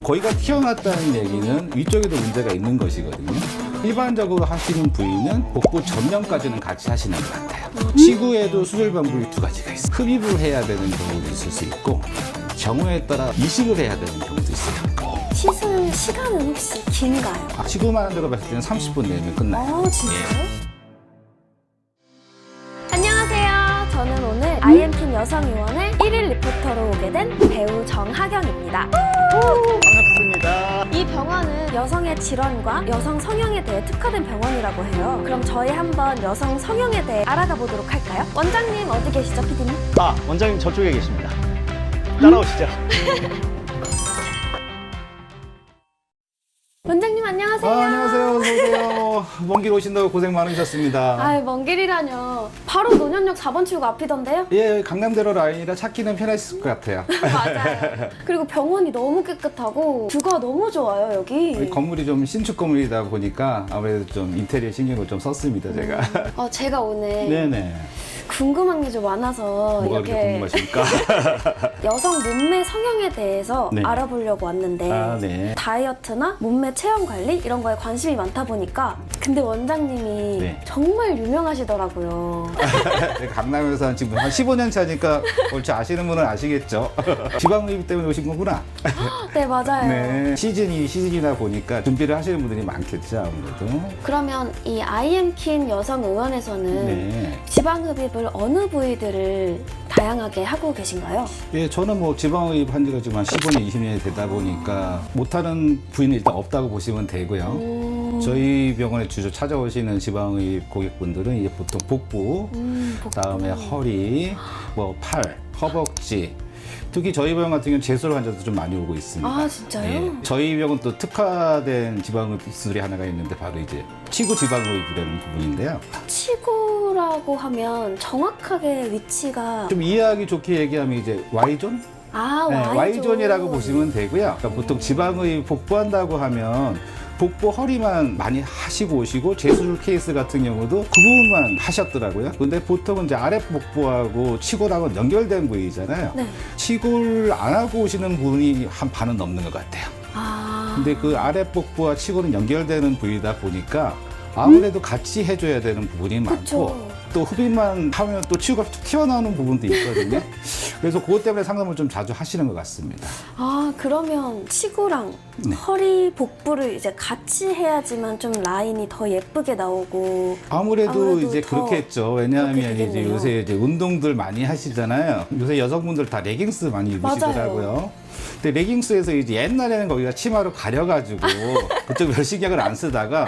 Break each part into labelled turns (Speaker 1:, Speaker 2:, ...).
Speaker 1: 거기가 튀어났다는 얘기는 위쪽에도 문제가 있는 것이거든요. 일반적으로 하시는 부위는 복부 전면까지는 같이 하시는 것 같아요. 치구에도 수술 방법이 두 가지가 있어요. 흡입을 해야 되는 경우도 있을 수 있고 경우에 따라 이식을 해야 되는 경우도 있어요.
Speaker 2: 시술 시간은 혹시 긴가요?
Speaker 1: 치구만 한 데로 봤을 때는 30분 내면 끝나요.
Speaker 2: 진짜요? 안녕하세요. 저는 오늘 IM팀 여성의원의 1일 리포터로 오게 된 배우 정하경입니다.
Speaker 1: 반갑습니다.
Speaker 2: 이 병원은 여성의 질환과 여성 성형에 대해 특화된 병원이라고 해요. 그럼 저희 한번 여성 성형에 대해 알아가 보도록 할까요? 원장님 어디 계시죠, 피디님?
Speaker 3: 원장님 저쪽에 계십니다. 따라오시죠.
Speaker 2: 원장님 안녕하세요.
Speaker 1: 안녕하세요. 어서오세요. 먼 길 오신다고 고생 많으셨습니다.
Speaker 2: 아유, 먼 길이라뇨. 바로 논현역 4번 출구 앞이던데요?
Speaker 1: 예, 강남대로 라인이라 찾기는 편하실 것 같아요.
Speaker 2: 맞아요. 그리고 병원이 너무 깨끗하고 뷰가 너무 좋아요, 여기.
Speaker 1: 건물이 좀 신축 건물이다 보니까 아무래도 좀 인테리어 신경을 좀 썼습니다, 제가.
Speaker 2: 제가 오늘
Speaker 1: 네네.
Speaker 2: 궁금한 게 좀 많아서
Speaker 1: 뭐가 그렇게 궁금하십니까?
Speaker 2: 여성 몸매 성형에 대해서
Speaker 1: 네.
Speaker 2: 알아보려고 왔는데
Speaker 1: 네.
Speaker 2: 다이어트나 몸매 체형 관리 이런 거에 관심이 많다 보니까 근데 원장님이
Speaker 1: 네.
Speaker 2: 정말 유명하시더라고요.
Speaker 1: 강남에서 지금 한 15년 차니까 옳지 아시는 분은 아시겠죠? 지방흡입 때문에 오신 거구나.
Speaker 2: 네, 맞아요.
Speaker 1: 네. 시즌이다 보니까 준비를 하시는 분들이 많겠죠, 아무래도.
Speaker 2: 그러면 이 IM킨 여성의원에서는
Speaker 1: 네.
Speaker 2: 지방흡입을 어느 부위들을 다양하게 하고 계신가요?
Speaker 1: 예, 저는 뭐 지방흡입 한 지가 지금 한 15년, 20년이 되다 보니까 못하는 부위는 일단 없다고 보시면 되고요. 저희 병원에 주로 찾아오시는 지방흡입 고객분들은 이제 보통 복부, 그다음에 허리, 뭐 팔, 허벅지. 특히 저희 병원 같은 경우는 재수로 환자도 좀 많이 오고 있습니다.
Speaker 2: 아, 진짜요?
Speaker 1: 예. 저희 병원 또 특화된 지방흡입 기술이 하나가 있는데 바로 이제 치구 지방흡입이라는 부분인데요.
Speaker 2: 치구라고 하면 정확하게 위치가
Speaker 1: 좀 이해하기 좋게 얘기하면 이제 Y존? 네,
Speaker 2: Y존.
Speaker 1: Y존이라고 보시면 되고요. 그러니까 보통 지방흡입 복부한다고 하면 복부 허리만 많이 하시고 오시고 재수술 케이스 같은 경우도 그 부분만 하셨더라고요. 근데 보통은 이제 아랫복부하고 치골하고 연결된 부위잖아요.
Speaker 2: 네.
Speaker 1: 치골 안 하고 오시는 분이 한 반은 넘는 것 같아요. 근데 그 아랫복부와 치골은 연결되는 부위다 보니까 아무래도 같이 해줘야 되는 부분이 많고
Speaker 2: 그쵸.
Speaker 1: 또 흡입만 하면 또 치고가 툭 튀어나오는 부분도 있거든요. 그래서 그것 때문에 상담을 좀 자주 하시는 것 같습니다.
Speaker 2: 그러면 치구랑
Speaker 1: 네.
Speaker 2: 허리, 복부를 이제 같이 해야지만 좀 라인이 더 예쁘게 나오고
Speaker 1: 아무래도 이제
Speaker 2: 더
Speaker 1: 그렇겠죠. 왜냐하면
Speaker 2: 그렇게
Speaker 1: 이제
Speaker 2: 되겠네요.
Speaker 1: 요새 이제 운동들 많이 하시잖아요. 요새 여성분들 다 레깅스 많이 입으시더라고요. 근데 레깅스에서 이제 옛날에는 거기가 치마로 가려가지고 그쪽 멸시약을 안 쓰다가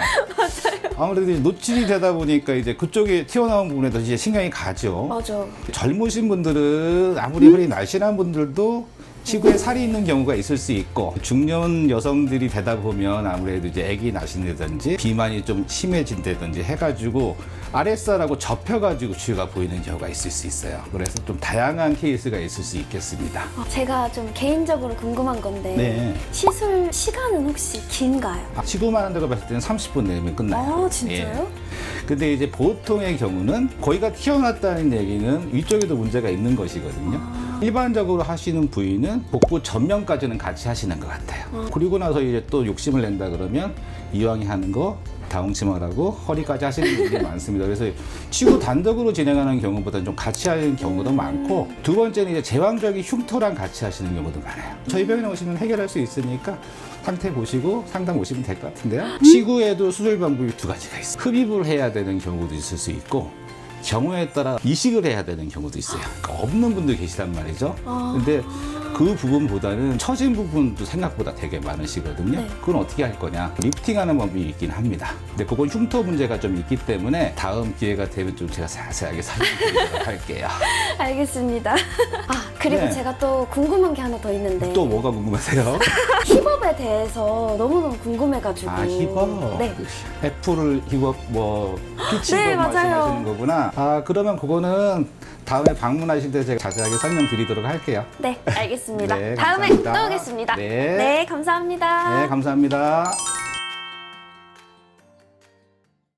Speaker 1: 아무래도 이제 노출이 되다 보니까 이제 그쪽에 튀어나온 부분에도 이제 신경이 가죠.
Speaker 2: 맞아.
Speaker 1: 젊으신 분들은 아무리 허리 날씬한 분들도 치구에 살이 있는 경우가 있을 수 있고 중년 여성들이 되다 보면 아무래도 이제 아기 나신다든지 비만이 좀 심해진다든지 해가지고 아랫살하고 접혀가지고 치유가 보이는 경우가 있을 수 있어요. 그래서 좀 다양한 케이스가 있을 수 있겠습니다.
Speaker 2: 제가 좀 개인적으로 궁금한 건데
Speaker 1: 네.
Speaker 2: 시술 시간은 혹시 긴가요?
Speaker 1: 치구만 한 데로 봤을 때는 30분 내면 끝나요.
Speaker 2: 진짜요?
Speaker 1: 근데 이제 보통의 경우는 거기가 튀어났다는 얘기는 위쪽에도 문제가 있는 것이거든요. 일반적으로 하시는 부위는 복부 전면까지는 같이 하시는 것 같아요. 그리고 나서 이제 또 욕심을 낸다 그러면 이왕에 하는 거 다홍치마라고 허리까지 하시는 분들이 많습니다. 그래서 치구 단독으로 진행하는 경우보다는 좀 같이 하는 경우도 많고 두 번째는 이제 제왕적인 흉터랑 같이 하시는 경우도 많아요. 저희 병원에 오시면 해결할 수 있으니까 상태 보시고 상담 오시면 될 것 같은데요. 치구에도 수술 방법이 두 가지가 있어요. 흡입을 해야 되는 경우도 있을 수 있고 경우에 따라 이식을 해야 되는 경우도 있어요. 그러니까 없는 분들 계시단 말이죠. 근데 그 부분보다는 처진 부분도 생각보다 되게 많으시거든요.
Speaker 2: 네.
Speaker 1: 그건 어떻게 할 거냐? 리프팅하는 법이 있긴 합니다. 근데 그건 흉터 문제가 좀 있기 때문에 다음 기회가 되면 좀 제가 자세하게 설명드리도록 할게요.
Speaker 2: 알겠습니다. 그리고
Speaker 1: 네.
Speaker 2: 제가 또 궁금한 게 하나 더 있는데
Speaker 1: 또 뭐가 궁금하세요?
Speaker 2: 힙업에 대해서 너무너무 궁금해가지고
Speaker 1: 힙업?
Speaker 2: 네.
Speaker 1: 애플을 힙업, 뭐 피치
Speaker 2: 네,
Speaker 1: 힙업
Speaker 2: 맞아요.
Speaker 1: 말씀하시는 거구나. 그러면 그거는 다음에 방문하실 때 제가 자세하게 설명드리도록 할게요.
Speaker 2: 네, 알겠습니다.
Speaker 1: 네,
Speaker 2: 다음에
Speaker 1: 감사합니다.
Speaker 2: 또 오겠습니다.
Speaker 1: 네.
Speaker 2: 네, 감사합니다.
Speaker 1: 네, 감사합니다.